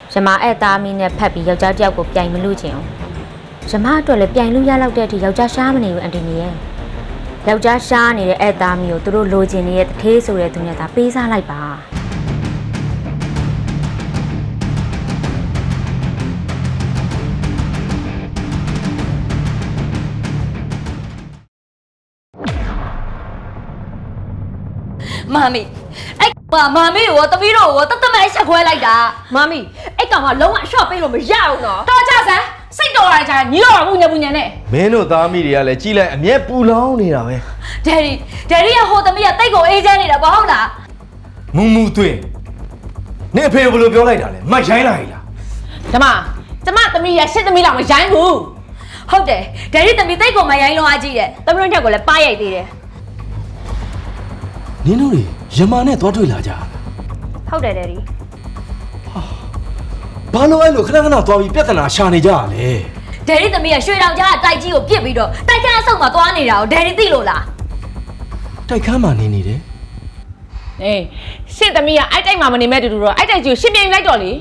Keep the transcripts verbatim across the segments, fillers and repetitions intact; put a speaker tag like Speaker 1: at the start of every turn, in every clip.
Speaker 1: ရမအဲ့သားမီးနဲ့ဖက်ပြီးယောက်ျားတစ်ယောက်ကိုပြိုင်မလို့ချင်အောင်ရမအတွက်လည်းပြိုင်လို့ရလောက်တဲ့အထိယောက်ျားရှားမနေဘူးအန်တီနီရဲ့ယောက်ျားရှားနေတဲ့အဲ့သားမီးကိုသူတို့လိုချင်နေတဲ့တထေးဆိုတဲ့သူနဲ့သာပေးစားလိုက်ပါ
Speaker 2: မာမီအဲ့ပါမာမီကိုတပီးတော့တတ်တမဲချက်ခွဲလိုက်တာမာမီအဲ့ကောင်ကလုံးဝအရှော့ပေးလို့မရဘူးနော်တော်ကြစမ်းစိတ်တော်ရကြညီတော်ဘူးညဘူးညနဲ့
Speaker 3: မင်းတို့သားမိတွေကလည်းကြီးလိုက်အမျက်ပူလောင်းနေတာပဲ
Speaker 2: ဒယ်ရီဒယ်ရီကဟိုသမီးကတိတ်ကိုအေးချမ်းနေတာဘာဟုတ်လား
Speaker 3: မူမူသွင်းနေအဖေဘယ်လိုပြောလိုက်တာလဲမရိုင်းလာ E လား
Speaker 2: ကျမကျမသမီးရရှစ်သမီးလောက်မရိုင်းဘူးဟုတ်တယ်ဒယ်ရီသမီးတိတ်ကိုမရိုင်းလုံးအားကြီးတယ်သမီးတို့ညက်ကိုလည်းပါရိုက်သေးတယ်
Speaker 3: နင်တို့တွေရမာနဲ့သွားတွေ့လာကြ
Speaker 2: ဟုတ်တယ်ဒယ်ရီ
Speaker 3: ဘာလို့အဲ့လိုခဏခဏသွားပြီးပြဿနာရှာနေကြရလဲ
Speaker 2: ဒယ်ရီသမီးကရွှေတောင်ကြားကတိုက်ကြီးကိုပြစ်ပြီးတော့တိုက်ခန်းအဆုတ်မှာသွားနေတာကိုဒယ်ရီသိလို့လား
Speaker 3: တိုက်ခန်းမှာနေနေတယ်
Speaker 4: အေးရှင့်သမီးကအဲ့တိုက်မှာမနေမဲ့တူတူတော့အဲ့တိုက်ကြီးကိုရှင်းပြလိုက်တော့လေ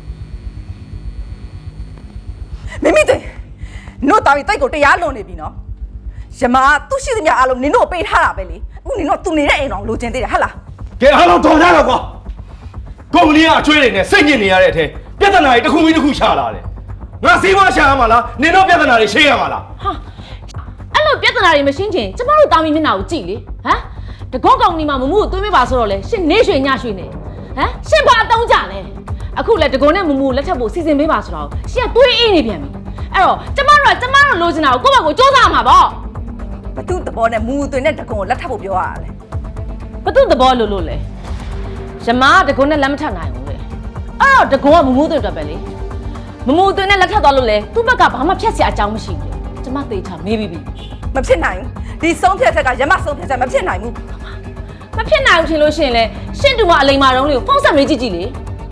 Speaker 5: မိမိတွေနို့တာပြီးတိုက်ကိုတရားလွန်နေပြီနော်ရမသူ့ရှိသမျှအားလုံးနင်တို့ပေးထားတာပဲလေအခုနင်တို့သူနေတဲ့အိမ်တော်လိုချင်သေးတယ်ဟဟလား
Speaker 3: ကဲအားလုံးတော်ကြတော့ကွာကုမ္ပဏီကအချွေးတွေနဲ့စိတ်ညစ်နေရတဲ့အထက်ပြဿနာတွေတစ်ခုပြီးတစ်ခုရှာလာတယ်ငါစီးပွားရှာရမှာလားနင်တို့ပြဿနာတွေရှင်းရမှာလား
Speaker 4: ဟာအဲ့လိုပြဿနာတွေမရှင်းချင်ကျမတို့တာမီမျက်နှာကိုကြည့်လေဟမ်တကောကောင်နီမှာမမှုကိုသွေးမပါဆိုတော့လေရှင်းနေရွှေညရွှေနေဟမ်ရှင်းဘာအတုံးကြလဲအခုလေတကောနဲ့မမှုကိုလက်ထပ်ဖို့စီစဉ်ပေးပါဆိုတော့ရှင်းကသွေးအေးနေပြန်ပြီအဲ့တော့ကျမတို့ကကျမတို့လိုချင်တာကိုကိုယ့်ဘက်ကိုစူးစမ်းမှာပေါ့
Speaker 5: ဘသူသဘောနဲ့မူသွင်းတဲ့တကုံကိုလက်ထပ်ဖို့ပြောရတယ်
Speaker 4: ဘသူသဘောလို့လို့လေရမကတကုံနဲ့လက်မထပ်နိုင်ဘူးလေအဲ့တော့တကုံကမမှုသွင်းတော့ပဲလေမမှုသွင်းနဲ့လက်ထပ်သွားလို့လေသူ့ဘက်ကဘာမှဖြတ်เสียအကြောင်းမရှိဘူးလေကျမသေချာမေးပြီးပြီ
Speaker 5: မဖြစ်နိုင်ဘူးဒီဆုံးဖြတ်ချက်ကရမဆုံးဖြတ်ချက်မဖြစ်နိုင်ဘူး
Speaker 4: မဖြစ်နိုင်ဘူးထင်လို့ရှိရင်လေရှင့်တူမအလိမ်မာတုံးလေးကိုဖုန်းဆက်မေးကြည့်ကြည့်လေ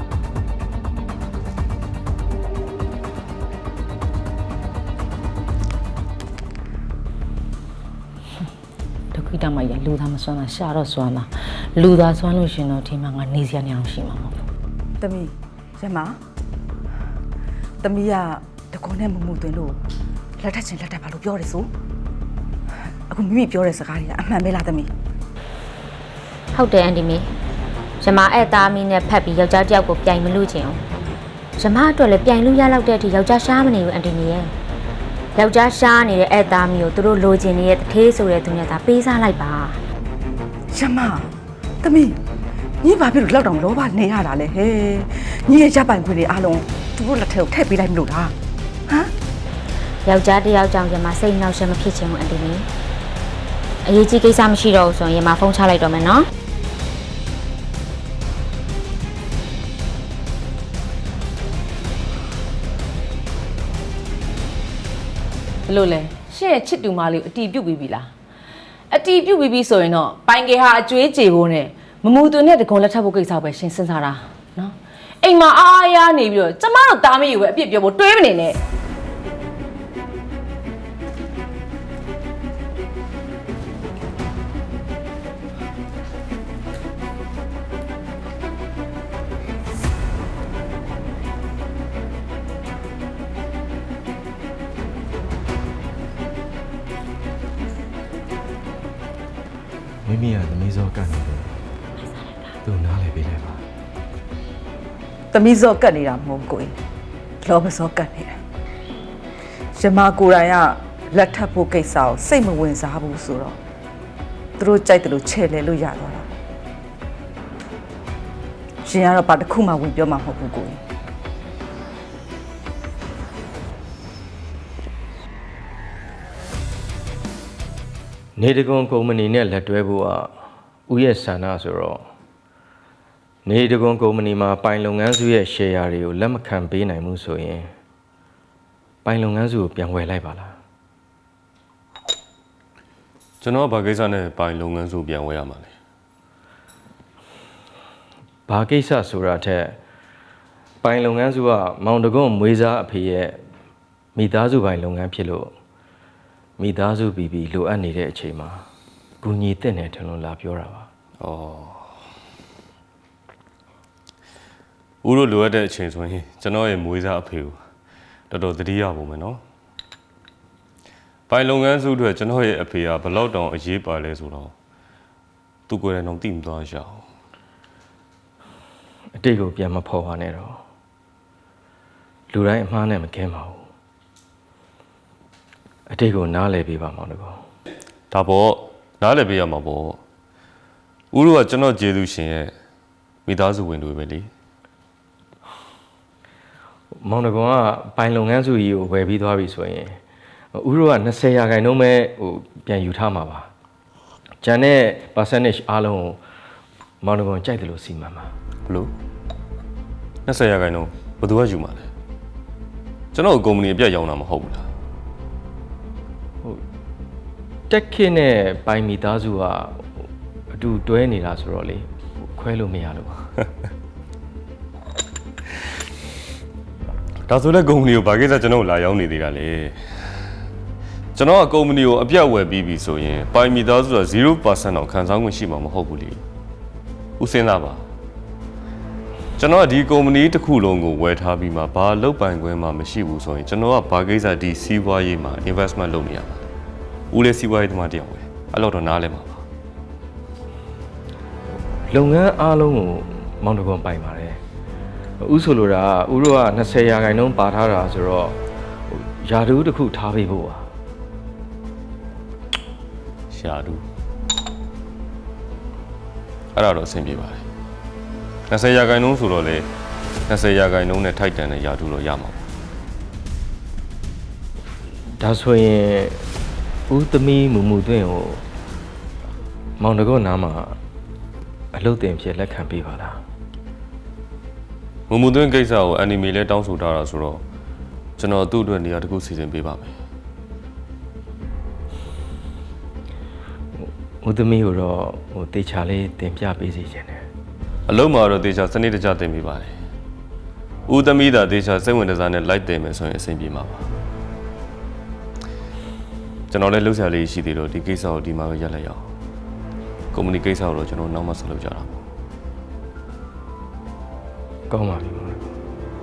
Speaker 4: ခိတမရလူသားမစွမ်းတာရှာတော့စွမ်းတာလူသားစွမ်းလို့ရှင်တော့ဒီမှာငါနေစရာနေအောင်ရှိမှာမဟုတ်ဘူး
Speaker 5: ။တမီရမတမီကတကုံနဲ့မမှုသွင်းလို့လက်ထက်ချင်းလက်ထက်ပါလို့ပြောတယ်ဆိုအခုမိမိပြောတဲ့စကားတွေကအမှန်ပဲလားတမီ
Speaker 1: ဟုတ်တယ်အန်တီမီရမအဲ့သားမီးနဲ့ဖက်ပြီးယောက်ျားတစ်ယောက်ကိုပြိုင်မလို့ချင်အောင်ရမအတွက်လည်းပြိုင်လို့ရလောက်တဲ့အထိယောက်ျားရှားမနေဘူးအန်တီမီရဲ့ယောက်ျားရှားနေတဲ့အဲ့သားမီးကိုသူတို့လိုချင်နေတဲ့တထေးဆိုတဲ့သူနဲ့သာပေးစားလိုက်ပါ
Speaker 5: ရမတမီညီဘာဖြစ်လို့လောက်တောင်လောဘနေရတာလဲဟဲ့ညီရဲ့ရပ်ပိုင်ခွင့်တွေအားလုံးသူတို့လက်ထဲကိုထည့်ပေးလိုက်မလို့လားဟမ်
Speaker 1: ယောက်ျားတစ်ယောက်ကြောင့်ရမစိတ်နှောက်ရှက်မဖြစ်ချင်ဘူးအန်တီမီအရေးကြီးကိစ္စမရှိတော့ဘူးဆိုရင်ရမဖုန်းချလိုက်တော့မယ်နော်
Speaker 4: ဘယ်လိုလဲရှင့်ရဲ့ချစ်တူမလေးကိုအတီးပြုတ်ပြီးပြီလားအတီးပြုတ်ပြီးပြီဆိုရင်တော့ပိုင်ကေဟာအကျွေးကြေဖို့နဲ့မမူသွင်းတဲ့တကုံလက်ထပ်ဖို့ကိစ္စပဲရှင်းစဉ်းစားတာနော်အိမ်မှာအားအားရနေပြီးတော့ကျမတို့တားမေးကိုပဲအပြစ်ပြောဖို့တွေးမနေနဲ့
Speaker 3: မိမိကသမီးစောကတ်နေတယ်သူနားလည်ပေးလိုက်ပါ
Speaker 5: သမီးစောကတ်နေတာမဟုတ်ကိုယ်လောဘစောကတ်နေတာရမကိုယ်တိုင်ကလက်ထပ်ဖို့ကိစ္စကိုစိတ်မဝင်စားဘူးဆိုတော့သူတို့ကြိုက်တယ်လို့ချဲ့လဲလို့ရသွားတာရှင်ကတော့ဘာတစ်ခုမှဝင်ပြောမှာမဟုတ်ဘူးကိုယ်
Speaker 3: နေတကွန်ကုမ္ပဏီနဲ့လက်တွဲဖို့ကဦးရဲ့ဆန္ဒဆိုတော့နေတကွန်ကုမ္ပဏီမှာပိုင်လုပ်ငန်းစုရဲ့ share တွေကိုလက်မခံပေးနိုင်ဘူးဆိုရင်ပိုင်လုပ်ငန်းစုကိုပြန်ဝယ်လိုက်ပါလား
Speaker 6: ကျွန်တော်ဘာကိစ္စနဲ့ပိုင်လုပ်ငန်းစုပြန်ဝယ်ရမှာလဲ
Speaker 3: ဘာကိစ္စဆိုတာထက်ပိုင်လုပ်ငန်းစုကမောင်တကွန်မွေးစားအဖေရဲ့မိသားစုပိုင်လုပ်ငန်းဖြစ်လို့မိသားစုပြီးပြီးလိုအပ်နေတဲ့အချိန်မှာဂူညီတက်နေတယ်လို့လာပြောတာပါ
Speaker 6: ။ဩဦးတို့လိုအပ်တဲ့အချိန်ဆိုရင်ကျွန်တော်ရဲ့မွေးစားအဖေကိုတော်တော်သတိရဖို့မယ်နော်ပိုင်လုပ်ငန်းစုအတွက်ကျွန်တော်ရဲ့အဖေကဘလောက်တောင်အရေးပါလဲဆိုတော့သူကိုယ်တိုင်တော့သိမသွားရအောင်
Speaker 3: အတိတ်ကိုပြန်မဖော်ပါနဲ့တော့လူတိုင်းအမှားနဲ့မကင်းပါဘူးအတိတ်ကိုနားလည်ပေးပါမောင်တကော
Speaker 6: ဒါပေါ့နားလည်ပေးရမှာပေါ့ဦးတို့ကကျွန်တော်ကျေးဇူးရှင်ရဲ့မိသားစုဝင်တွေပဲလေ
Speaker 3: မောင်တကောကပိုင်လုပ်ငန်းစုကြီးကိုဝယ်ပြီးသွားပြီဆိုရင်ဦးတို့က20ရာခိုင်နှုန်းပဲဟိုပြန်ယူထားမှာပါကျန်တဲ့ percentage အားလုံးကိုမောင်တကောကြိုက်တယ်လို့စီမံပါ
Speaker 6: ဘလို့20ရာခိုင်နှုန်းဘယ်သူကယူမှာလဲကျွန်တော်ကုမ္ပဏီအပြတ်ရောင်းတာမဟုတ်ဘူးလား
Speaker 3: တက်ခင်းနဲ့ပိုင်မိသားစုကအတူတွဲနေတာဆိုတော့လေခွဲလို့မရလို့ပါ
Speaker 6: ဒါဆိုလည်းကုမ္ပဏီကိုဘာကိစ္စကျွန်တော်လာရောက်နေသေးတာလေကျွန်တော်ကကုမ္ပဏီကိုအပြတ်ဝယ်ပြီးပြီဆိုရင်ပိုင်မိသားစုက zero percent တော့ခံစား권ရှိမှာမဟုတ်ဘူးလေဦးစင်းသားပါကျွန်တော်ကဒီကုမ္ပဏီတစ်ခုလုံးကိုဝယ်ထားပြီးမှဘာလုပ်ပိုင်ခွင့်မှမရှိဘူးဆိုရင်ကျွန်တော်ကဘာကိစ္စဒီစီးပွားရေးမှာ investment လုပ်နေရမှာဦးလေးစီးပွားရေးသမားတယောက်ပဲအဲ့တော့တော့နားလဲမှာပါ
Speaker 3: လုပ်ငန်းအားလုံးကိုမောင်တကောပိုင်ပါတယ်ဥဆိုလိုတာဥတို့က20ရာခိုင်နှုန်းပါထားတာဆိုတော့ယာတူးတစ်ခုထားပေးဖို့ပါ
Speaker 6: ရှာတူအဲ့ဒါတော့အဆင်ပြေပါတယ်20ရာခိုင်နှုန်းဆိုတော့လေ20ရာခိုင်နှုန်းနဲ့ထိုက်တန်တဲ့ယာတူးတော့ရမှာပါ
Speaker 3: ဒါဆိုရင်ဦးသမီးမူမူသွင်းကိုမောင်တကောနားမှာအလုပ်တင်ဖြစ်လက်ခံပေးပါလား
Speaker 6: မမူသွင်းကိစ္စကိုအန်နီမေလဲတောင်းဆိုထားတာဆိုတော့ကျွန်တော်သူ့အတွက်နေရာတစ်ခုစီစဉ်ပေးပါမယ်
Speaker 3: ဦးသမီးကိုတော့ဟိုတေချာလေးတင်ပြပေးစီခြင်းတယ်
Speaker 6: အလုံးမှာတော့တေချာစနစ်တကျတင်ပေးပါတယ်ဦးသမီးသာတေချာစိတ်ဝင်စားနဲ့လိုက်တင်မယ်ဆိုရင်အဆင်ပြေမှာပါကျွန်တော်လည်းလှုပ်ရှားလေးရှိသေးတော့ဒီကိစ္စကိုဒီမှာပဲရပ်လိုက်ရအောင်ကုမ္ပဏီကိစ္စကိုတော့ကျွန်တော်နောက်မှဆက်လုပ်ကြတာပေါ့
Speaker 3: ကောင်းပါပြီမောင်တကော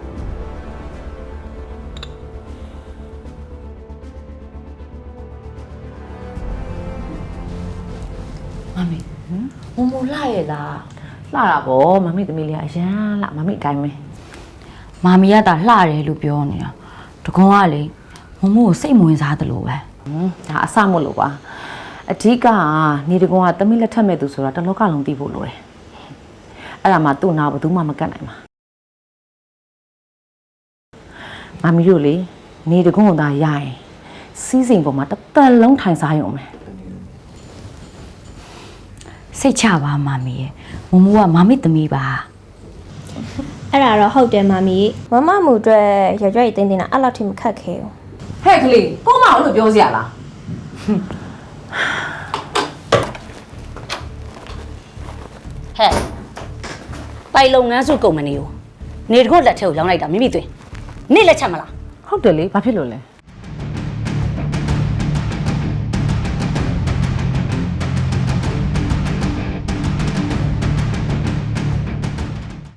Speaker 2: မမီမမလှရဲ့လား
Speaker 4: လှတာပေါ့မမိသမီးလေးကအရန်လှမမိအတိုင်းပဲ
Speaker 2: မမီကတာလှတယ်လို့ပြောနေတာတကွန်ကလေမမကိုစိတ်မဝင်စားသလိုပဲ
Speaker 4: ဟွန်းဒါအဆမလို့ပါအဓိကကနေတကွန်ကသမီးလက်ထက်မဲ့သူဆိုတာတလောကလုံးသိဖို့လိုတယ်အဲ့ဒါမှသူ့နာဘယ်သူမှမကတ်နိုင်ပါမမီတို့လေနေတကွန်ကသာရရင်စီးစိမ်ပေါ်မှာတစ်သက်လုံးထိုင်စားရုံပဲ
Speaker 2: စိတ်ချပါမမီရဲ့မမကမမီသမီးပါ
Speaker 7: အဲ့ဒါတော့ဟုတ်တယ်မမီမမမှုအတွက်ရွရွရီတင်းတင်းတာအဲ့လောက်ထိမခက်ခဲဘူး
Speaker 4: ဟဲ့ကလေးကိုမအောင်လို့ပြောစရာလား
Speaker 8: ဟဲ့ပိုင်လုပ်ငန်းစုကုမ္ပဏီကိုနေတကုတ်လက်ထဲကိုရောင်းလိုက်တာမိမိသွင်းနေလက်ချက်မလား
Speaker 4: ဟုတ်တယ်လေဘာဖြစ်လို့လဲ